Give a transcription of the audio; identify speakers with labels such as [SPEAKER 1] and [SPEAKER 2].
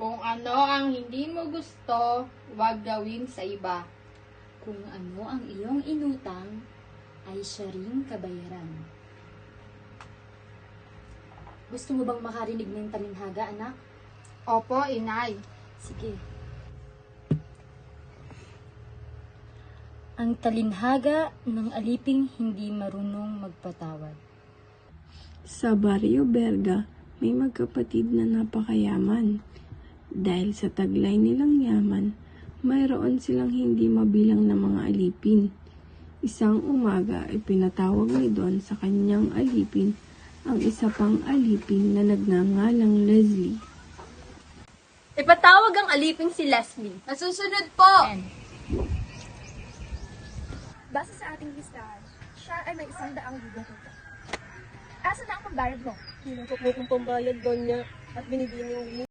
[SPEAKER 1] Kung ano ang hindi mo gusto, huwag gawin sa iba.
[SPEAKER 2] Kung ano ang iyong inutang, ay siya ring kabayaran. Gusto mo bang makarinig ng talinhaga, anak?
[SPEAKER 1] Opo, inay.
[SPEAKER 2] Sige. Ang talinhaga ng aliping hindi marunong magpatawad.
[SPEAKER 3] Sa Barrio Berga, may magkapatid na napakayaman. Dahil sa taglay nilang yaman, mayroon silang hindi mabilang na mga alipin. Isang umaga ay pinatawag ni Don sa kanyang alipin ang isa pang alipin na nagngangalang Leslie.
[SPEAKER 4] Ipatawag ang aliping si Leslie.
[SPEAKER 1] Nasusunod po!
[SPEAKER 5] Base sa ating listahan, siya ay may 100 libong utang. Asa na ang pambayad mo?
[SPEAKER 4] Hinangkot mo kong pambayad doon niya at binibining